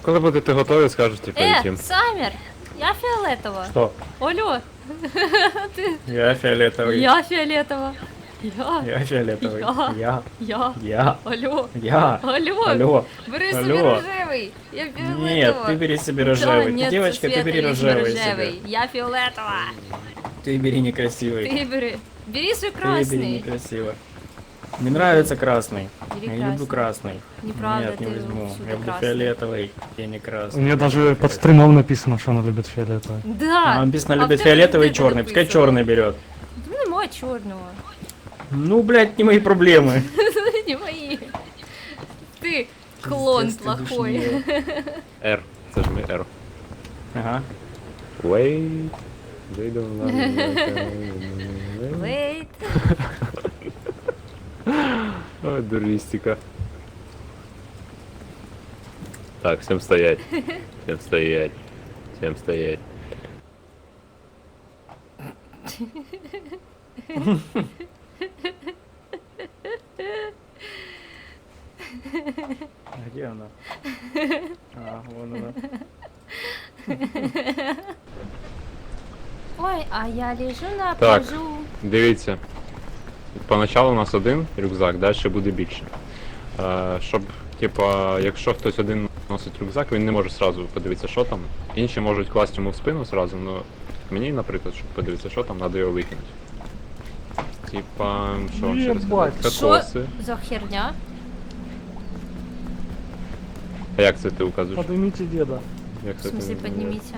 Коли будете готові, скажете, полетим. Саммер, я фиолетово. Что? Алло, Я фиолетовый. я фиолетово. Я фиолетовый. Я. Я. Алло. Я. Алло. Алло. Бери Алло. себе рожевый. Я фиолетово. Нет, ты бери себе Да, рожевый. нет, Девочка, ты Света, бери лишь не рожевый себе. рожевый. Я фиолетово. Ты бери некрасивый. Ты бери. Бери свой Ты бери красный. некрасиво. Мне нравится красный. Бери Я не люблю красный. Неправда, Нет, не ты возьму. всюду Я люблю красный. фиолетовый. Я не У красный. нее даже под стримом написано, что она любит фиолетовый. Да. А, написано, а любит в тебе фиолетовый и где черный. Пускай написано? черный берет. Ну, нема черного. Ну, блядь, не мои проблемы. Не мои. Ты клон Пиздец, ты плохой. душнила. R. Це ж ми R. Ага. Wait. They don't love me. Wait. Ой, дуристика. Так, всем стоять. Всем стоять. Всем стоять. А где она? А, вон она. Ой, а я лежу на Так. пляжу. Дивіться. Поначалу у нас один рюкзак, далі буде більше. Щоб, типа, якщо хтось один носить рюкзак, він не може сразу подивитися, що там. Інші можуть класти йому в спину сразу, але мені, наприклад, щоб подивитися, що там, треба його викинути. Типа, що вам ще розказати? Єбать. Що Кокоси. за херня? А як це ти указуєш? Поднимите деда. Як В це смысле, ти- поднимите.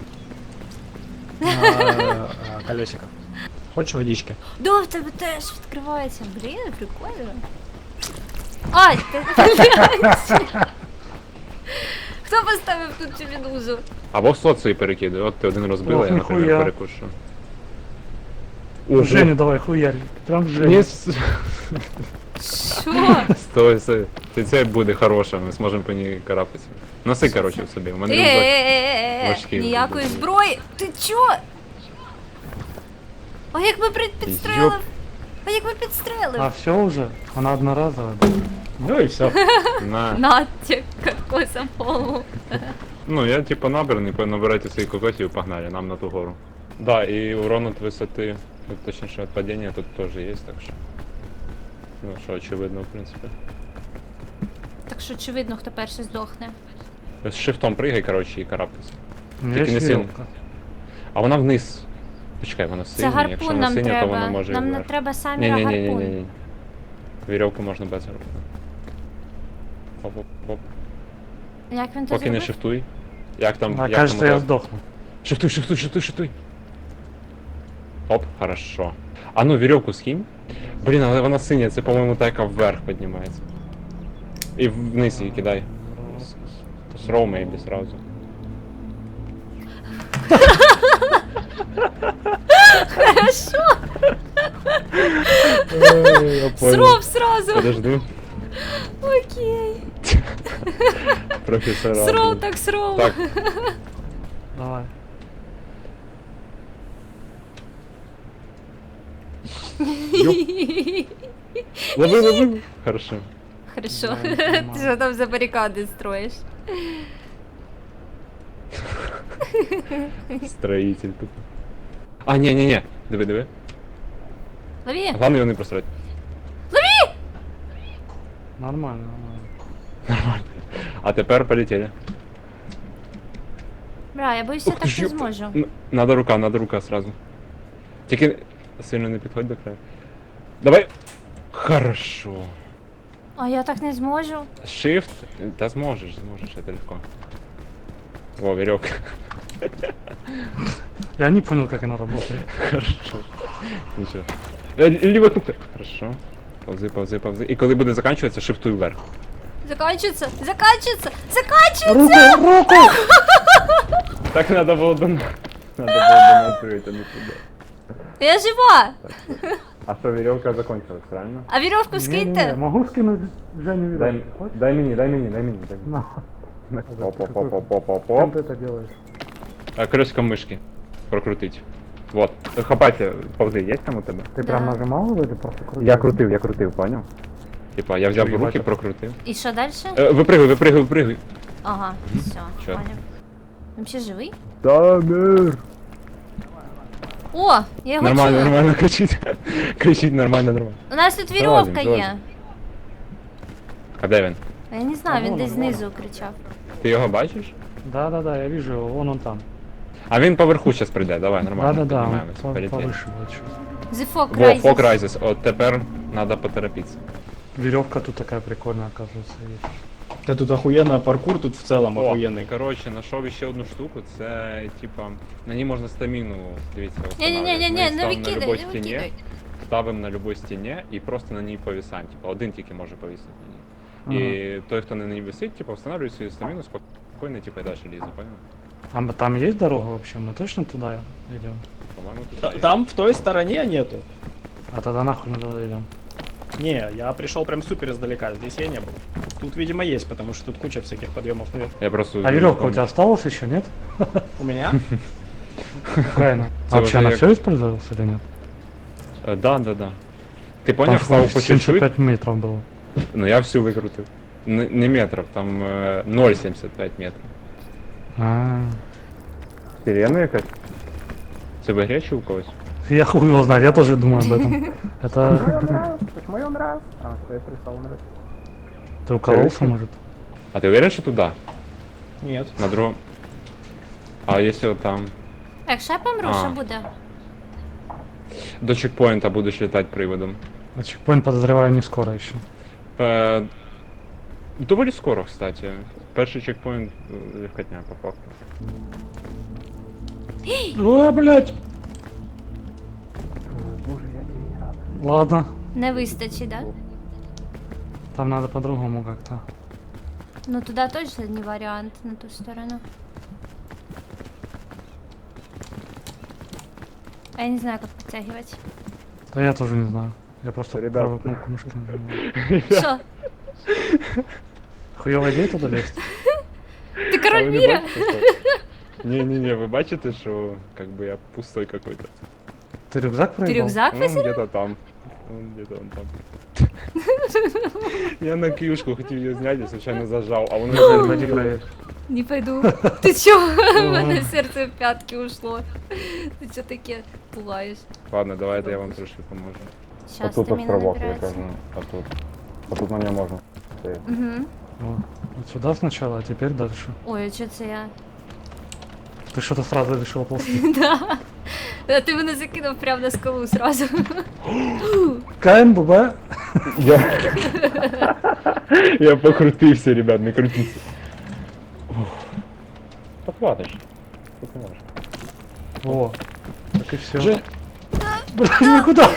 Колесико. Хочешь водички? Да, в тебе теж відкривається. Блін, прикольно. Ай, ти... Хто поставив тут цю медузу? Або соції перекидай, от ти один розбила, Ох, я, наприклад, ніхуя. перекушу. Женю давай, хуярь. Прям в Женю. Ні, Що? стой, це буде хороше, ми зможемо по ній карабкатися. Носи, коротше, в собі, у мене рюкзак. важкий Ніякої буде. зброї. Ти чо? А як ми підстрелив? Йоп. А як ми підстрелив? А все уже? Она одноразовая. Ну и все. На. Натя, кокосом полу. Ну, я типа набраний, набирайте свої кокосів і погнали, нам на ту гору. Да, і урон от висоти, точніше от падіння тут теж є, так що. Ну, що очевидно, в принципі. Так що очевидно, хто перший здохне. З шифтом пригай, коротше, і карабкайся. У меня Тільки есть не сильно. веревка. А вона вниз. Почекай, вона Це синя, якщо гарпун вона нам синя, то вона треба. може і Нам не вверх. треба самі гарпун. Ні-ні-ні-ні-ні. Вірьовку можна без гарпуна. Оп-оп-оп. Як він то Поки не зробив? шифтуй. Як там, А як кажется, там я ото- сдохну. Шифтуй, шифтуй, шифтуй, шифтуй. Оп, хорошо. А ну, веревку скинь. Блін, але вона синя, це, по-моєму, та, яка вверх піднімається. І вниз її кидай. Throw maybe сразу. Хорошо, сров сразу. Подожди. Окей. Професора. Сров так сров. Так, Давай. лови, лови. Хорошо. Хорошо. Да, Ти нормально. що там за барикади строїш? Строитель тут. А, ні. Диви, диви. Лови. Главное його не просрати. Нормально, нормально. А тепер полетели. Бля, я боюсь, я Ух ти так ж, не ёпта. зможу. Надо рука сразу. Тільки сильно не підходь до краю. Давай. Хорошо. А я так не зможу. Shift. Да зможешь, это легко. Во, веревка. Я не понял, как она работает. Хорошо. Нічого. Ліва кнопка. Хорошо. Повзи. І коли буде закінчуватися, шифтуй вверх. Заканчивается, заканчивается, заканчивается! Руку! Так надо було Надо було донатити, а не туди. Я жива! А що, веревка закончилась, правильно? А веревку Не-не-не, скиньте. могу скинуть Женю Дай, веревку? Хочешь? дай мені. На. Оп. Чем ты это делаешь? Крестиком мишки. Прокрутить. Вот. Хапайте, повзи, є там у тебе? Ты Да. прям нажимал его или просто крутил? Я крутив, понял? Типа, я взяв в Ой, руки, бачу. прокрутив. І що дальше? Випригуй. Ага, все, Чё? понял. Вообще живий? Тамер! О, я його Нормально, чую. нормально, кричить. Кричить нормально, нормально. У нас тут Залазим, вірьовка є. залазим. А де він? А я не знаю, він вон десь он, вон знизу кричав. Ти його бачиш? Да-да-да, я вижу его, вон он там. А він поверху зараз прийде, давай, нормально. Да-да-да, он піднімаємось, полетіли. повыше будет чуть. Зефок Во, Райзес. фок Райзес, от тепер треба поторопитися. Веревка тут такая прикольная, оказывается, есть. Да тут охуенно, паркур тут в целом охуенный. Коротше, знайшов ще одну штуку, це типа, на ній можна стаміну, дивіться, Ні-ні-ні, встановлювати. не Ми ставимо на викидай, любой не стіні, викидай. ставимо на любой стіні і просто на ній повисаємо. Типа, один тільки може повісити на ній. І той, хто на ній висить, типа, встановлює свою стаміну, спокійно, типа, і далі лізе, понял? А там есть дорога вообще? Мы точно туда идем? По-моєму, тут є. Там в той стороне нету. А тогда нахуй мы туда идем? Не, я пришел прям супер издалека, здесь я не был. Тут, видимо, есть, потому что тут куча всяких подъемов наверх. Я просто... А веревка у тебя осталась еще, нет? У меня? Какая она? Это Вообще уже она я- все использовалась или нет? Да, да, да. Ти Там поняв, став по чуть-чуть? 75 метров было. Ну я всю викрутив. Не метрів, там 0,75 метрів. А, Сирена якась? Це в ігрі чи у когось? я хуй его знает, я тоже думаю об этом. Это Почему он раз? А, что я прислал он раз. ты укололся, может? А ти уверен, що туди? Нет. На другому? А якщо там... Якщо я помру, А. що буде? До чекпоінта будеш літати приводом. А чекпоинт подозреваю не скоро еще. Доволі скоро, кстати. Перший чекпоінт легкотня, по факту. Ой, блядь! Боже, я тебе рад. Ладно, Не вистачить, да? там надо по-другому как-то. Ну туди точно не варіант, на ту сторону. А я не знаю, як підтягувати. Да я тоже не знаю. Я просто Ребят. правую кнопку мышки нажимаю. Що? Хуёвая идея туда лезть? Ти король міра? Не-не-не, ви бачите, що как бы я пустой какой-то. Ты рюкзак Ти проебал? рюкзак Он висить? где-то там. Он где-то он там. Я на киюшку хотів її зняти, я случайно зажав, а воно Пойди проверь. Не пойду. Ти чого? У мене серце в п'ятки ушло. Ти чого таке пугаєш? Ладно, давайте я вам трошки поможу. Щас стаміна набирається. а тут. А тут на нього можна. Угу. О, вот сюда сначала, а теперь дальше. Ой, а чого це я? Ты что-то сразу решила ползти. Да. А ти мене закинув прямо на скалу сразу. Каин, Буба. Я покрутився, ребят, не крутіться. Подхватиш. Тут не можеш. О, так и все. Же- Блин, никуда.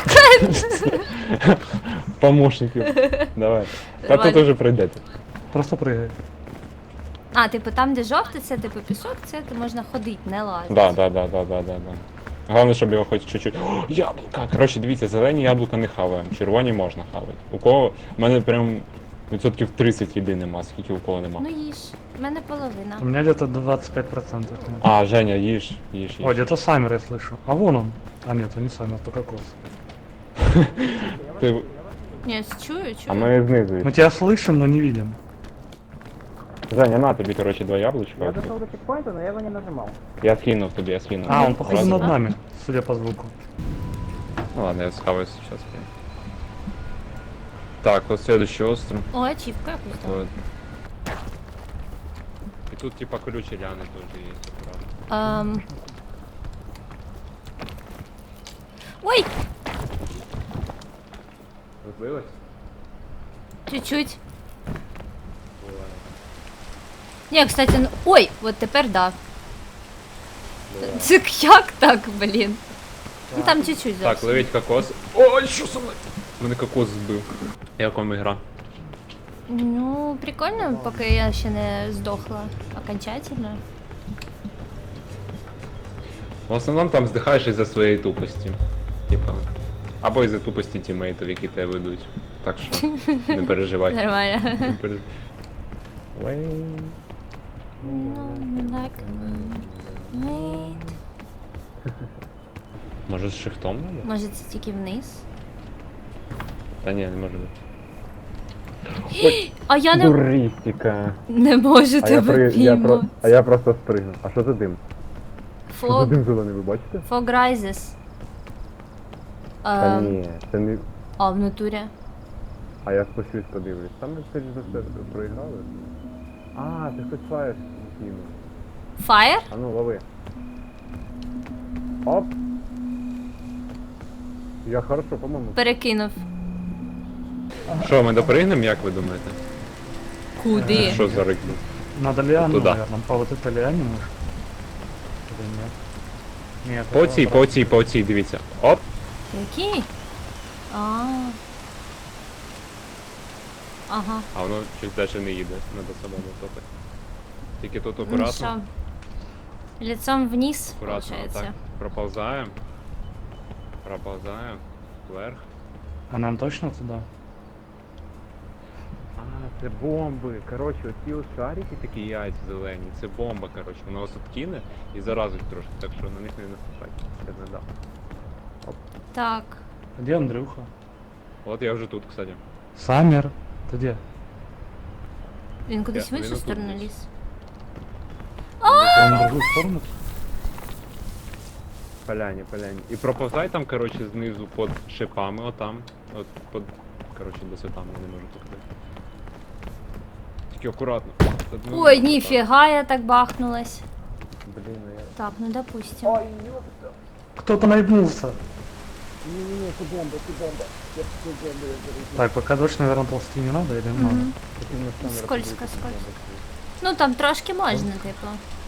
Помощників. Давай. Та тут Давай. уже пройдете. Просто прыгай. А, типу там, де жовтий, це типу пісок, це ти можна ходити, не лазити. Да. Головне, щоб його хоч чуть-чуть. О, яблука! Коротше, дивіться, зелені яблука не хаваємо, червоні можна хавати. У кого. У мене прям відсотків 30 їди нема, скільки у кого нема. Ну їж, в мене половина. У меня где-то 25%. А, Женя, їж. О, где-то Саммер я слышу. А вон он. А нет, он не Саммер, то кокос. Ти... Ні, чую. А ми знизу. Мы тебя слышим, но не видим. Женя, на тобі, коротше, 2 яблучка. Я дошел до чекпоинта, но я его не нажимал. Я скинув тобі, я скинув. А, он походу Ладно. над нами, судя по звуку. Ну ладно, я схаваюсь сейчас. Так, вот следующий остров. О, ачівка якусь там. Вот. И тут типа колючие лианы тоже есть, аккуратно. Ой, Розлилось? чуть-чуть. Ні, кстати, ну... Ой, от тепер да. Це як так, блін? Ну там чуть-чуть Так, зовсім. ловить кокос. Ой, що со мною? Мене кокос збив. Як вам ігра? Ну, прикольно, поки я ще не здохла окончательно. В основному там здихаєш із-за своєї тупості. Типа. Або із-за тупості тімейтів, які тебе ведуть. Так що не переживай. Нормально. Не переживай. Ну, так. Мейт. Може з шифтом надо? Може це тільки вниз? Та ні, не може бути. А я не, Дуристика. не можу тебе піймати. А я просто спригнув. А що за дим? Що за Фог, дим зелений, ви бачите? Fog Rises. Та ні, це не... А, в натурі. А я спущусь подивлюсь. Там ми скоріш за все проіграли. А, ти хтось фаєш кинув. Fire? А ну, лови. Оп! Я хорошо, по-моєму. Перекинув. Що, ми допригнемо, як ви думаєте? Куди? Що за рик був? Надо лиану, Туда. наверное, по вот этой лиане может? Или нет? Нет. По цій, по цій, по цій, дивіться. Оп! Який? А. Ага. А воно щось далі не їде, надо самому топити. Тільки тут Ну акуратно, що? Лицом вниз, акуратно, получается. отак. Проползаємо. Проползаємо. Вверх. А нам точно туда? А, це бомби. Коротше, оці ось шарики такі яйця зелені, це бомба, коротше. Вона вас откине і заразить трошки, так що на них не наступайте. Я не дав. Так. Где Андрюха? От я вже тут, кстати. Саммер. Ты где? Він кудись в Я- іншу він сторону отут ліз. Он в другую сторону? Поляні, поляні. І проповзай там, коротше, знизу під шипами, отам. От під, коротше, десь отам, я не можу показати. Тільки акуратно. Одну- Ой, так. ніфіга, я так бахнулась. Блін, ну я... Так, ну допустим. Кто-то наебнулся. Ні-ні-ні, це бомба, це бомба. Я це бомба, я зараз. Так, пока дождь, наверное, ползти не надо или надо? Мгм. Потрібно з камери Скользко, подивитися, скользко. бомба. Ну там трошки можна, типу.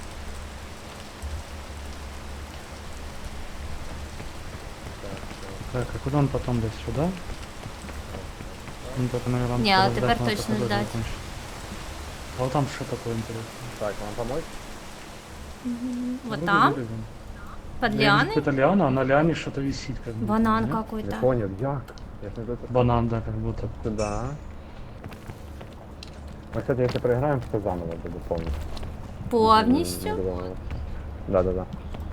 Так, а куда он потом лез? Сюда? Ну, только, наверное, Не, а теперь точно ждать. А вот там что такое интересное? Так, вам помочь? Вот там, под лианой. Это лиана, а на лиане что-то висит. Как будто, Банан нет? Не какой-то. понял, як? Я ж не до Банан, да, как будто. Сюда. Ми, кстати, якщо проіграємо, все заново буде повністю. Повністю. Да-да-да.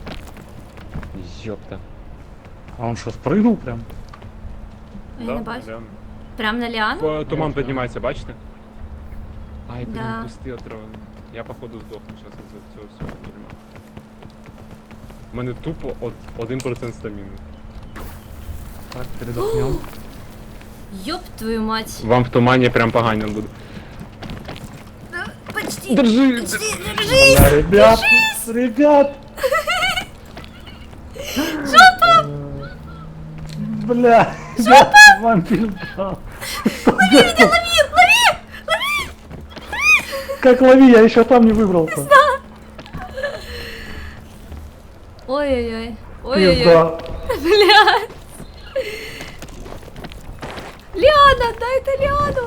Ёпта. А он что, спрыгнул прям? Я не бачу. да. Прям на лиану? Туман піднімається, бачите? Ай, блін, Да. кусти отравлені. Я походу здохну зараз із цього всього дерьма. У мене тупо 1% стаміни. Так, передохнем. Ёб твою мать. Вам в тумані прям погано буде. Почти. Держи! Почти, держись. Да, ребят, ребят! Жопа! Бля, я вампир дал. Лови меня, лови, лови! Как лови, я еще там не выбрался. Ой-ой-ой. Ой-ой-ой. Пизда. Блядь. Лиана, дай-то Лиану.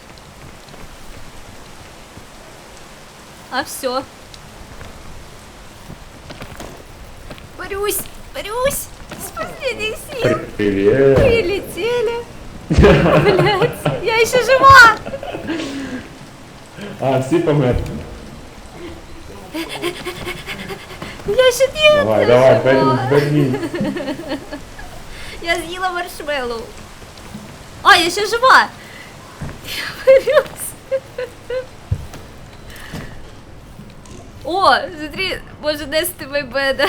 А все. Борюсь, борюсь. С последних сил. Привет! Прилетели. Блядь, я еще жива. А, всі померли. Я еще нет. Давай, я давай, жива. Берлін. Я съела маршмеллоу. А, я еще жива. Я борюсь. О, смотри, может нести майбеда.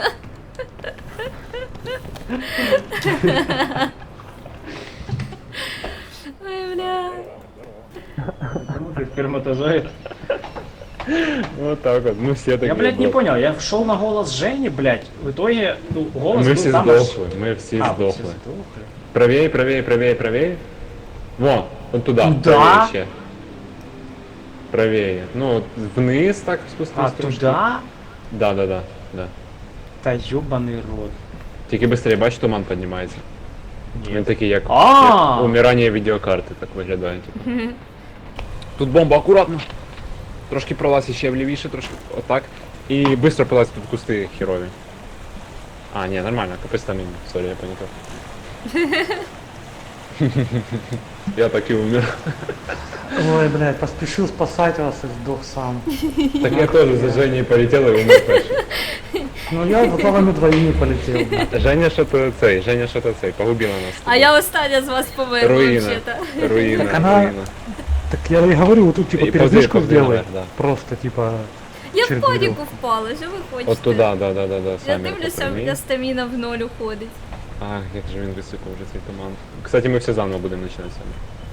Ой, бля. Сперматозоид. Вот так вот, мы все такие. Я, блядь, не были. понял, я шел на голос Жени, блядь, в итоге, ну, голос Мы был все там сдохли, мы все А, вы все сдохли. сдохли. Правее, правее, правее, правее. Вон, вот туда. Туда? Правее ще. Правее. Ну, вот вниз так спустись. А трошки. туда? Да, да, да, да. Та ёбаный рот. Тільки быстрее, бач, туман піднімається. Він такий, як, А! як умирання відеокарти, так виглядає. Типу. Тут бомба, акуратно. Трошки пролазь ще влівіше, трошки отак. І швидко пролазь тут кусти херові. А, ні, нормально, капець там міні. Сорі, я панікав. Я так і умер. Ой, блядь, поспешил спасать вас и сдох сам. Так я теж за Женей полетел і умер перший. Ну я за вами двоими полетел. блядь. Женя що-то цей, погубила нас. А я остання з вас померла, Руїна. взагалі-то. Руїна, Так она- руїна. Так я и говорю, вот тут типа И передышку ползи сделай. наверх, да. Просто типа... Я в через паніку веревку. впала, що ви хочете? От туди, да, Я самі дивлюся, попрямій. я стаміна в ноль уходить. Ах, як же він висипав вже цей туман. Кстати, ми все заново будемо починати саме.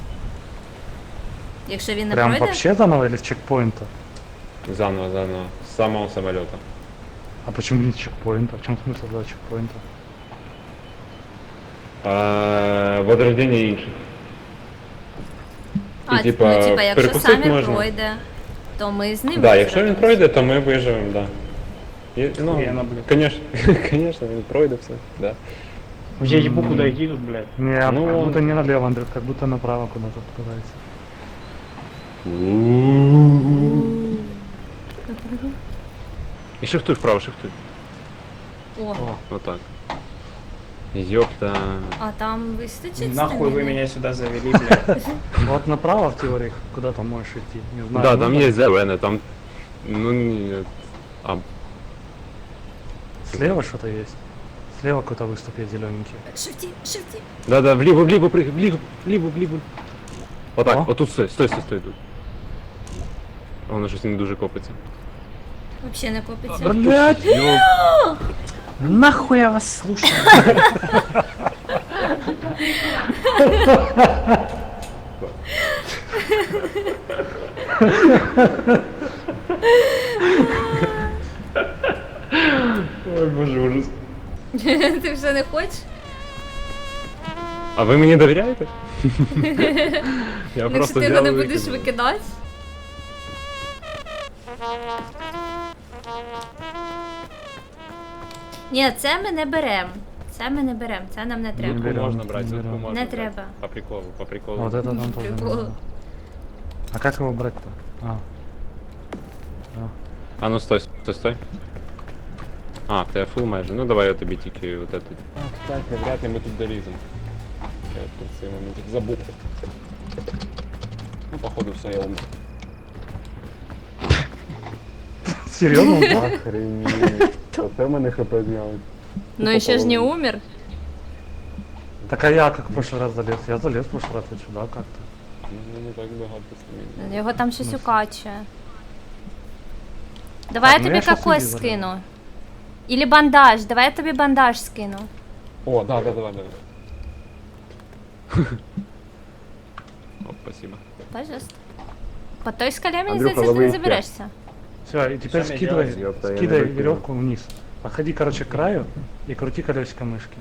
Якщо він не Прям пройде, вообще заново или с чекпоинта? Заново, з самого самоліта. А почему не с чекпоинта? В чем смысл за чекпоинта? Возрождення інших. а, і, типа, ну, типа, якщо перекусить самі можна. пройде, то ми з ним Да, якщо він визрадимось. пройде, то ми виживемо, да. І, ну, Охуєнно, блядь. конечно, він пройде все, да. Я ебу куда идти тут, блядь. Не, Ну, как он- будто не налево, Андрей, как будто направо куда-то пытается. І шифтуй вправо, шифтуй. О, Отак. Ёпта. а там вистачить Нахуй вы стаміни? меня сюда завели, блядь. Вот направо в теории, куда там можешь идти, не знаю. Да, ну, там є зелене, там... Ну, ні, а, Слева что-то есть. Слева какой-то выступ есть зелененький. Шифті, шифті. да, вліво, пригай, вліво. Отак, О. отут стой тут. Воно щось не дуже копиться. Вообще не копиться. Блять! Ёп. Нахуй я вас слушаю. Ой, боже, ужас. Ти вже не хочеш? А ви мені довіряєте? Я Якщо просто ти його взяв не і будеш викинув. викидати? Ні, це ми не беремо. Це ми не беремо, це нам не треба. Не Зубку берем, можна брати, не зубку берем. можна Не брати. треба. По приколу. Вот это там тоже не Прикол. надо. А как его брать-то? А. А ну стой. А, в тебе фул майже. Ну давай я тобі тільки вот этот. А, кстати, вряд ли ми тут доліземо. Я тут цей момент забув. Ну, походу, все, я умер. Серьезно? Да. Охренеть. Оце в мене хп зняли. Ну і ще ж не умер. Так а я как в прошлый раз залез? Я залез в прошлый раз вот сюда как-то. Ну, не так багато стамін. Його там щось укачує. Давай я Так, ну тобі я щас кокос собі скину. Или бандаж, давай я тобі бандаж скину. О, да, давай. Оп, спасибо. Пожалуйста. По той скале, мені Андрюха, здається, ти не лови заберешся. Все, и теперь Что мне скидывай, делать, ёпта, я не скидай докинул. веревку вниз. Подходи, короче, к краю и крути колесико мышки.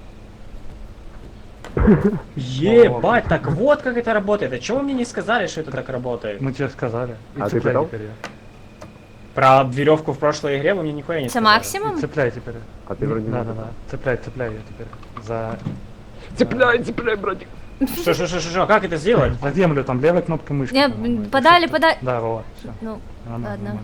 Ебать, так вот как это работает. А чего вы мне не сказали, что это так работает? Мы тебе сказали. И А ты цепляй пытал? теперь её. Про веревку в прошлой игре вы мне нихуя не Це сказали. И максимум? цепляй теперь. А ты вроде не Да, пытал. цепляй ее теперь. За... Цепляй, братик. Что, как это сделать? За землю, там левой кнопкой мышки. Не, по-моему, это подали, всё. подали. Да, Вова, все. Ну, ладно.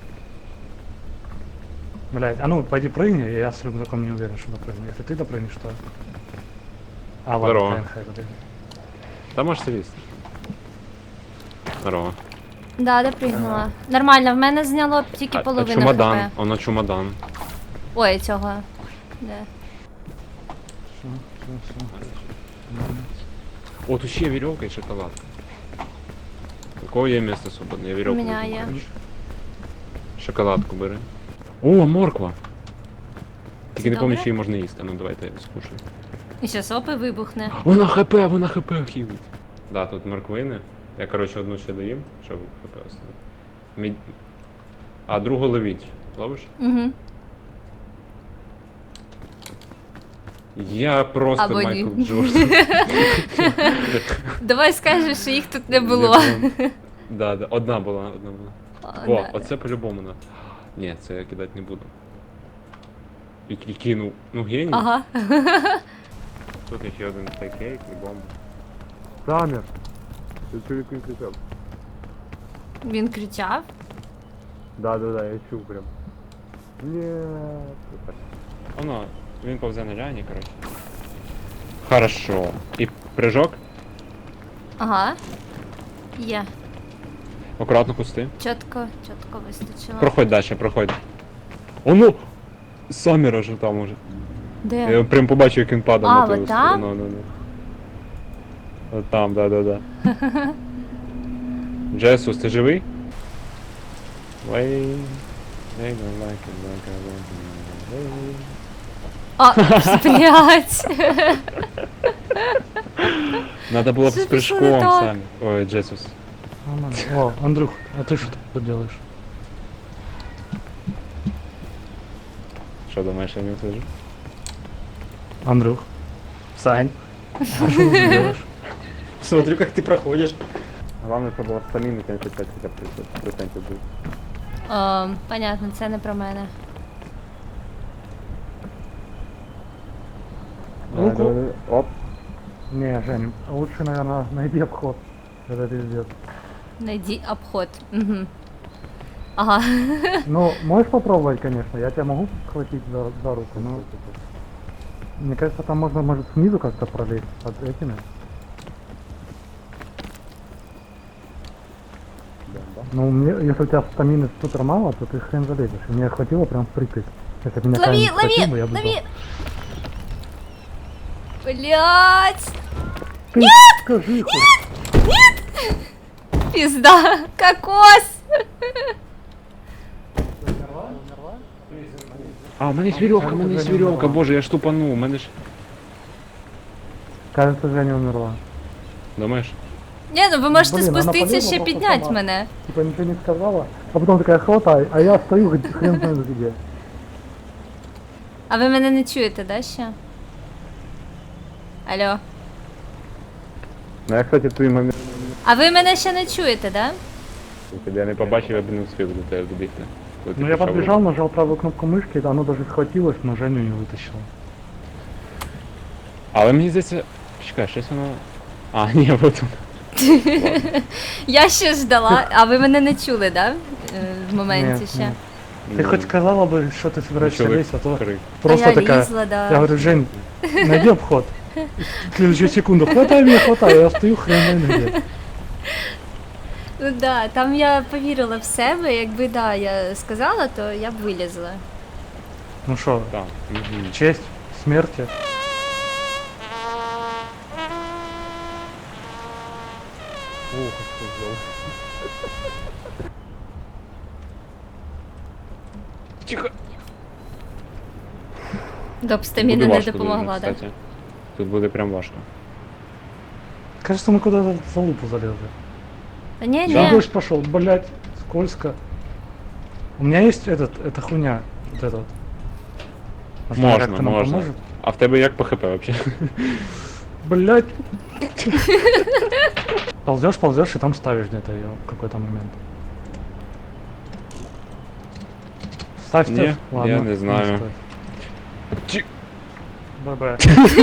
Блять, а ну пойди прыгни, я с рюкзаком не уверен, что допрыгну. Если ты допрыгнешь, то... А, ладно, Здорово. хай подожди. Та можеш сидіти. Здорово. Да, допригнула. Нормально, в мене зняло тільки А половину чумодан, хп. воно чумодан. Ой, цього. Де? О, тут ще є вірьовка і шоколадка. У кого є місце свободне? Я вірьовку. У мене візьму, є. коротше. Шоколадку бери. О, морква! Тільки не Добре? пам'ятаю, що її можна їсти. Ну давайте я скушаю. І ще сопи вибухне. Вона хп хілить. Да, тут морквини. Я, коротше, одну ще доїм, щоб хп оставити. А другу ловіть. Ловиш? Угу. Я просто Або ні. Майкл Джордан. Давай скажеш, що їх тут не було. Да, одна була. О, О, да. оце по-любому на. Ні, це я кидати не буду. І кинув. Ну геній. Ага. Тут ще один кейк і бомба. Самір. Ти чоловік не кричав. Він кричав. Да, я чув прям. Ні. Воно, він повзе на ляні, коротше. Хорошо. І прыжок. Ага. Є. Акуратно кусти. Чітко вистачило. Проходь далі, проходь. О, ну! Сомера ж там уже. Де? Я прям побачив, як він падав А, на твою от там? сторону. От там, да. Джесус, ти живий? Wait, they don't like it like I want it. А, блядь. Надо було б Що з пішло прыжком не так? самі. Ой, Джесус. Нормально. О, Андрюх, а ты что тут делаешь? Що думаєш, я не услышу? Андрюх, Сань, а что ты тут делаешь? смотрю, как ты проходишь. Главное, щоб було стаміни 75 хоча б 30% буде. Понятно, це не про мене. Руку. Оп. Не, Жень, лучше, наверное, найди обход. Это пиздец. Найди обход. Угу. Ага. Ну, можешь попробовать, конечно, я тебя могу схватить за руку, но... Мне кажется, там можно, может, снизу как-то пролезть под этими. Ну, мне, если у тебя стамины супер мало, то ты хрен залезешь. И мне хватило прям впритык. Если бы меня Лови, камень схватил бы, лови, я бы лови! сдох. Блять! Ты скажи хоть. Пизда! Кокос! А, у мене є вірьовка, у мене є вірьовка, боже, я ж тупанув, у мене ж... Кажется, Женя умерла. Думаєш? Ні, ну ви можете Блін, вона спуститися полізла ще просто підняти сама. мене. Типа ничего не сказала, а потом такая хватай, а я стою хрен знает где. А ви мене не чуєте, да, ще? Алло. Ну я, кстати, твій момент, А ви мене ще не чуєте, да? якби я не Побачив, я б не встиг до тебе добігти. Коли ти Ну я пішов. подбежал, нажал правую кнопку мышки, да, оно даже схватилось, но Женю не вытащило. Але мені здається... Чекай, щось воно... А, ні, вот тут. Я ще ждала, а ви мене не чули, да? В моменті Нет, ще. нет. Ты хоть сказала бы, что ты собираешься Чоловік лезть, а то крик. просто а я такая... лізла, да. Я говорю, Жень, найди обход. В следующую секунду, хватай меня, хватай, я стою хрен знает где. Ну да, там я повірила в себе, якби да, я сказала, то я б вилізла. Ну что, Так. Мгм. честь, смерти. Ух, що зробив. Тихо. Доп стаміна Буде не важко допомогла, дуже, да? кстати. Тут буде прям важко. Кажется, мы куда-то за лупу залезли. Та ні, Сейчас ні. дождь пошел, блять, скользко. У меня есть эта хуйня, вот этот. Можно, можно. А в тебе як по хп вообще? Блять. Ползешь и там ставишь где-то ее в какой-то момент. Ставьте. Не, Ладно, я не знаю. ставь. Чи- Б-б.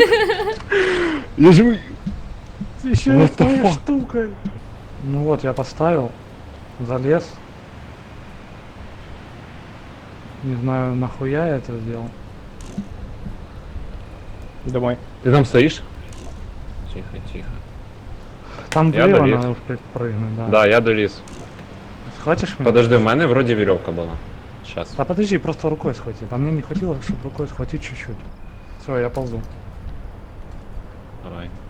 Я живий! Еще What и the твоей fuck? штукой. Ну вот, я поставил, залез. Не знаю, нахуя я это сделал. Домой. Ти там стоїш? Тихо, тихо. Там Я влево долез. надо прыгнуть, да. Да, я доліз. Схватишь меня? Подожди, в мене вроді вірьовка була. Щас. Да подожди, просто рукой схвати. А мне не хватило, чтобы рукой схватить чуть-чуть. Все, я ползу. Давай.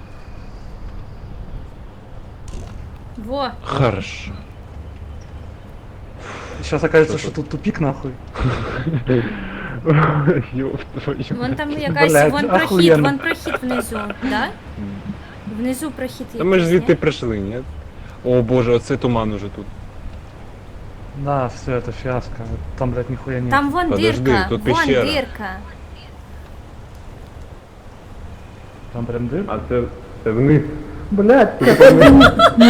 Во, Хорошо. Сейчас окажется, Что что тут тупик нахуй. Ёб твою. вон там якась, Блядь, вон охуєнно. прохід внизу, да? Внизу прохід Та ми ж якийсь, звідти ні? прийшли, ні? О боже, оце туман уже тут. Да, все, это фиаско. Там, блядь, нихуя нет. Там вон Подожди, дирка, тут вон пещера. дирка. Там прям дыр. А це вниз. Блядь, Не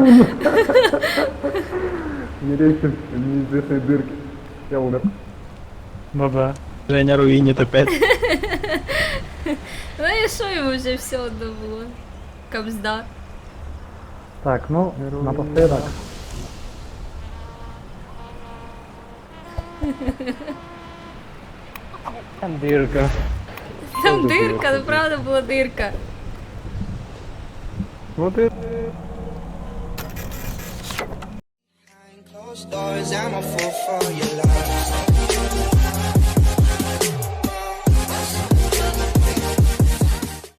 лезьте в неизвестные дырки. Я умер. баба. Женя руинит опять. Ну і що йому вже все одно було? Кабзда. Так, ну, напоследок. Там дирка. Там дирка, ну правда була дирка. Вот и... Closed doors, I'm a fool for your love.